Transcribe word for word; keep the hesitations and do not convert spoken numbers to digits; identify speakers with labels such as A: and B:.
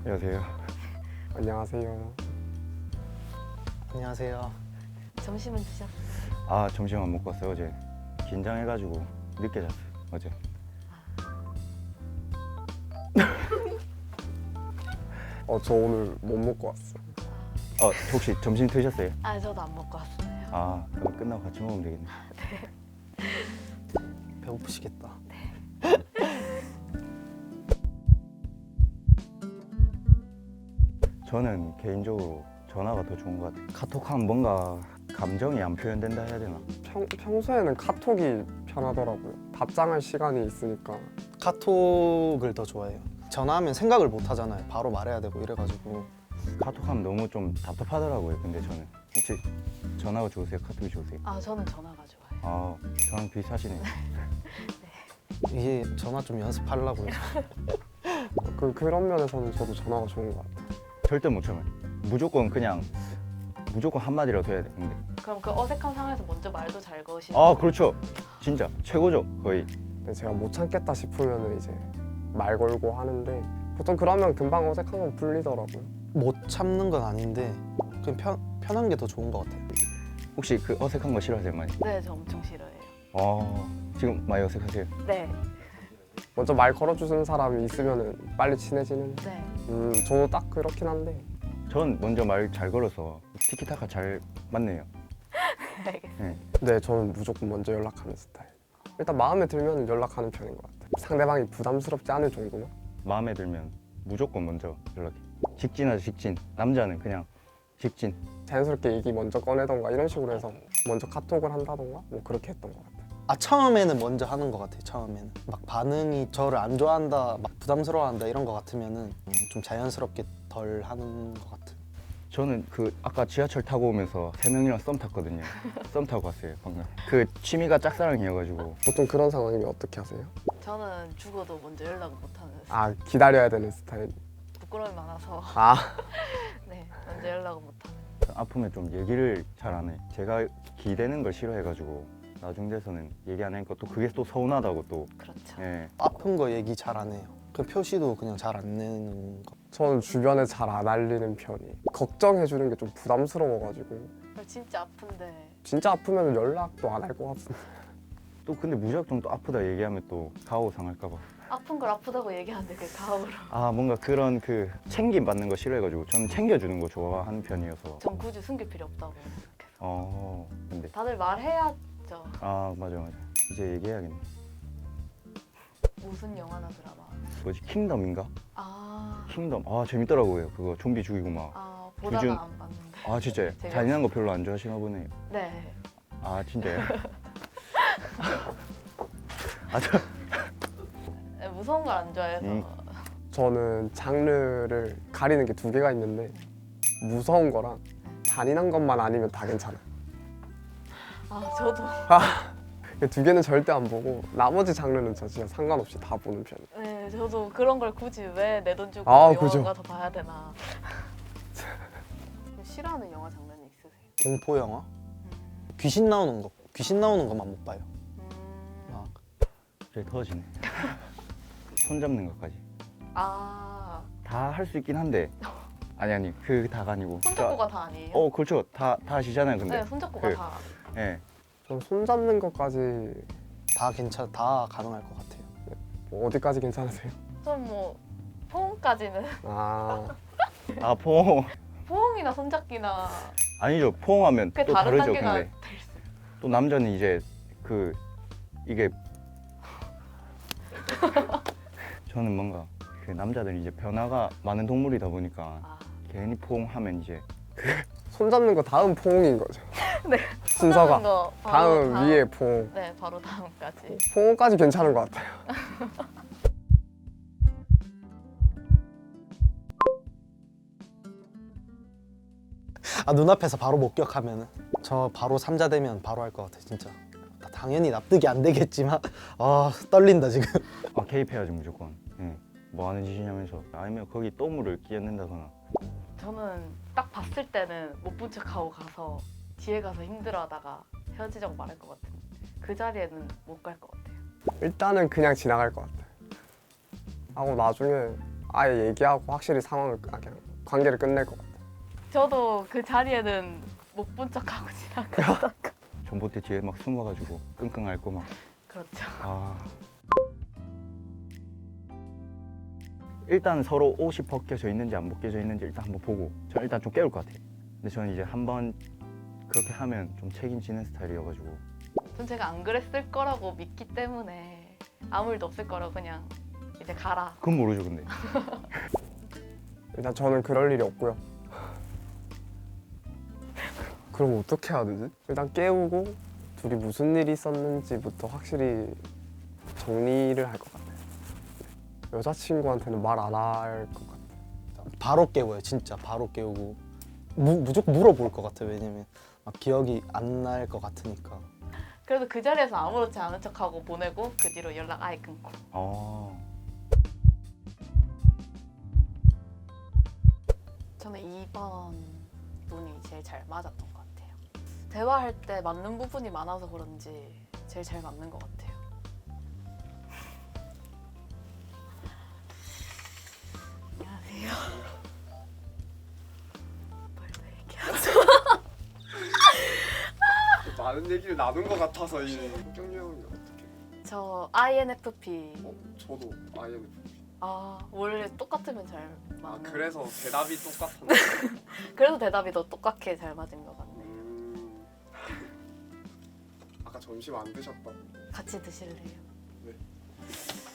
A: 안녕하세요.
B: 안녕하세요.
C: 안녕하세요.
D: 점심은 드셨어요?
A: 아 점심 안 먹고 왔어요. 어제 긴장해가지고 늦게 잤어요. 어제.
B: 어, 저 오늘 못 먹고 왔어요.
A: 어 혹시 점심 드셨어요?
D: 아, 저도 안 먹고 왔어요.
A: 아 그럼 끝나고 같이 먹으면 되겠네.
C: 배고프시겠다.
A: 저는 개인적으로 전화가 더 좋은 것 같아요. 카톡하면 뭔가 감정이 안 표현된다 해야 되나?
B: 평, 평소에는 카톡이 편하더라고요. 답장할 시간이 있으니까.
C: 카톡을 더 좋아해요. 전화하면 생각을 못 하잖아요. 바로 말해야 되고 이래가지고.
A: 카톡하면 너무 좀 답답하더라고요. 근데 저는 혹시 전화가 좋으세요? 카톡이 좋으세요?
D: 아, 저는 전화가 좋아요.
A: 아 저랑 비슷하시네요.
C: 이게 전화 좀 연습하려고요.
B: 그, 그런 면에서는 저도 전화가 좋은 것 같아요.
A: 절대 못 참아요. 무조건 그냥 무조건 한마디라도 해야 돼. 근데
D: 그럼 그 어색한 상황에서 먼저 말도 잘 거시고.
A: 아 그렇죠. 진짜 최고죠 거의.
B: 근데 제가 못 참겠다 싶으면 이제 말 걸고 하는데 보통 그러면 금방 어색한 건 풀리더라고요.
C: 못 참는 건 아닌데 그냥 편, 편한 게 더 좋은 것 같아요.
A: 혹시 그 어색한 거 싫어하세요 많이?
D: 네, 저 엄청 싫어해요.
A: 아 지금 많이 어색하세요?
D: 네,
B: 먼저 말 걸어주는 사람이 있으면 빨리 친해지는.
D: 네.
B: 음, 저도 딱 그렇긴 한데
A: 전 먼저 말 잘 걸어서 티키타카 잘 맞네요.
D: 알겠습니다.
A: 네.
B: 네, 저는 무조건 먼저 연락하는 스타일. 일단 마음에 들면 연락하는 편인 것 같아요. 상대방이 부담스럽지 않을 정도만.
A: 마음에 들면 무조건 먼저 연락해. 직진하죠 직진. 남자는 그냥 직진.
B: 자연스럽게 얘기 먼저 꺼내던가 이런 식으로 해서 먼저 카톡을 한다던가 뭐 그렇게 했던 것 같아요.
C: 아 처음에는 먼저 하는 것 같아요. 처음에는 막 반응이 저를 안 좋아한다, 막 부담스러워한다 이런 것 같으면은 좀 자연스럽게 덜 하는 것 같은.
A: 저는 그 아까 지하철 타고 오면서 세 명이랑 썸 탔거든요. 썸 타고 왔어요 방금. 그 취미가 짝사랑이어가지고.
B: 보통 그런 상황이면 어떻게 하세요?
D: 저는 죽어도 먼저 연락을 못하는 스타일.
B: 아, 기다려야 되는 스타일.
D: 부끄러움이 많아서
B: 아,
D: 네, 먼저 연락을 못하는.
A: 아프면 좀 얘기를 잘 안 해. 제가 기대는 걸 싫어해가지고 나중 돼서는 얘기 안 하니까 또 그게 또 서운하다고 또.
D: 그렇죠.
A: 예.
C: 아픈 거 얘기 잘 안 해요. 그 표시도 그냥 잘 안 내는 거.
B: 저는 주변에 잘 안 알리는 편이. 걱정해 주는 게 좀 부담스러워가지고
D: 진짜 아픈데.
B: 진짜 아프면 연락도 안 할 것 같은데.
A: 또 근데 무작정 또 아프다 얘기하면 또 가오 상할까봐.
D: 아픈 걸 아프다고 얘기하는데 그게 가오로.
A: 아 뭔가 그런 그 챙김 받는 거 싫어해가지고 저는 챙겨주는 거 좋아하는 편이어서.
D: 전 굳이 숨길 필요 없다고 생각해서.
A: 어 근데
D: 다들 말해야죠.
A: 아 맞아 맞아. 이제 얘기해야겠네.
D: 무슨 영화나 드라마.
A: 뭐지 킹덤인가?
D: 아,
A: 킹덤. 아 재밌더라고요. 그거 좀비 죽이고 막.
D: 아 보다가
A: 기준-
D: 안 봤는데.
A: 아 진짜요?
D: 재밌었어요.
A: 잔인한 거 별로 안 좋아하시나 보네요.
D: 네.
A: 아 진짜요? 아 저.
D: 네, 무서운 걸 안 좋아해서.
A: 음.
B: 저는 장르를 가리는 게 두 개가 있는데 무서운 거랑 잔인한 것만 아니면 다 괜찮아요.
D: 아, 저도.
B: 그 두 개는 절대 안 보고 나머지 장르는 저 진짜 상관없이 다 보는 편이에요.
D: 네, 저도 그런 걸 굳이 왜 내 돈 주고
B: 아,
D: 영화가
B: 그죠.
D: 더 봐야 되나. 싫어하는 영화 장르는 있으세요?
C: 공포 영화?
D: 음.
C: 귀신 나오는 거. 귀신 나오는 것만 못 봐요.
D: 음.
C: 아,
A: 갑자기 터지네. 손 잡는 것까지
D: 아,
A: 다 할 수 있긴 한데 아니 아니 그 다가 아니고.
D: 손잡고가 다 아니에요?
A: 어 그렇죠. 다 다 하시잖아요. 근데.
D: 네, 손잡고가
A: 그-
D: 다.
A: 예.
B: 전 손 잡는 것까지
C: 다 괜찮, 다 가능할 것 같아요.
B: 뭐 어디까지 괜찮으세요?
D: 전뭐 포옹까지는
B: 아,
A: 아 포옹
D: 포옹이나 손잡기나
A: 아니죠. 포옹하면
D: 그게
A: 또
D: 다른
A: 다르죠.
D: 단계가
A: 근데 또 남자는 이제 그 이게 저는 뭔가 그 남자들이 이제 변화가 많은 동물이다 보니까
D: 아,
A: 괜히 포옹하면 이제
B: 손 잡는 거 다음 포옹인 거죠.
D: 네.
B: 순서가
D: 손잡는 거 바로
B: 다음
D: 다음.
B: 위에 포옹.
D: 네, 바로 다음까지.
B: 포옹까지 괜찮은 것 같아요.
C: 아 눈앞에서 바로 목격하면은 저 바로 삼자 되면 바로 할 것 같아 진짜. 당연히 납득이 안 되겠지만 아 떨린다 지금.
A: 아 개입해야지 무조건. 예. 뭐 하는 짓이냐면서 아니면 거기 또물을 끼얹는다거나.
D: 저는 딱 봤을 때는 못 본 척하고 가서 뒤에 가서 힘들어하다가 헤어지자고 말할 것 같은. 그 자리에는 못 갈 것 같아요.
B: 일단은 그냥 지나갈 것 같아요. 하고 나중에 아예 얘기하고 확실히 상황을 아, 그냥 관계를 끝낼 것 같아요.
D: 저도 그 자리에는 못 본 척하고 지나가.
A: 전봇대 뒤에 막 숨어가지고 끙끙 앓고 막.
D: 그렇죠.
A: 아. 일단 서로 옷이 벗겨져 있는지 안 벗겨져 있는지 일단 한번 보고 저 일단 좀 깨울 것 같아요. 근데 저는 이제 한번 그렇게 하면 좀 책임지는 스타일이어가지고
D: 전 제가 안 그랬을 거라고 믿기 때문에 아무 일도 없을 거라고 그냥 이제 가라.
A: 그건 모르죠 근데.
B: 일단 저는 그럴 일이 없고요. 그럼 어떻게 해야 되지? 일단 깨우고 둘이 무슨 일이 있었는지부터 확실히 정리를 할 것 같아요. 네. 여자친구한테는 말 안 할 것 같아요.
C: 바로 깨워요 진짜 바로 깨우고 무, 무조건 물어볼 것 같아요. 왜냐면 막 기억이 안 날 것 같으니까.
D: 그래도 그 자리에서 아무렇지 않은 척하고 보내고 그 뒤로 연락 아예 끊고.
A: 어.
E: 저는 이 번 눈이 제일 잘 맞았던 것 같아요. 대화할 때 맞는 부분이 많아서 그런지 제일 잘 맞는 것 같아요.
D: 안녕하세요. 뭘더 얘기해?
B: 많은 얘기를 나눈 것 같아서 이 경유 형이 어떻게?
E: 저 아이엔에프피.
B: 어, 저도 아이엔에프피.
E: 아 원래 똑같으면 잘 맞는.
B: 아 그래서 대답이 똑같은데.
E: 그래도 대답이 더 똑같게 잘 맞은 것 같네요.
B: 음... 아까 점심 안 드셨다고.
E: 같이 드실래요?
B: 네.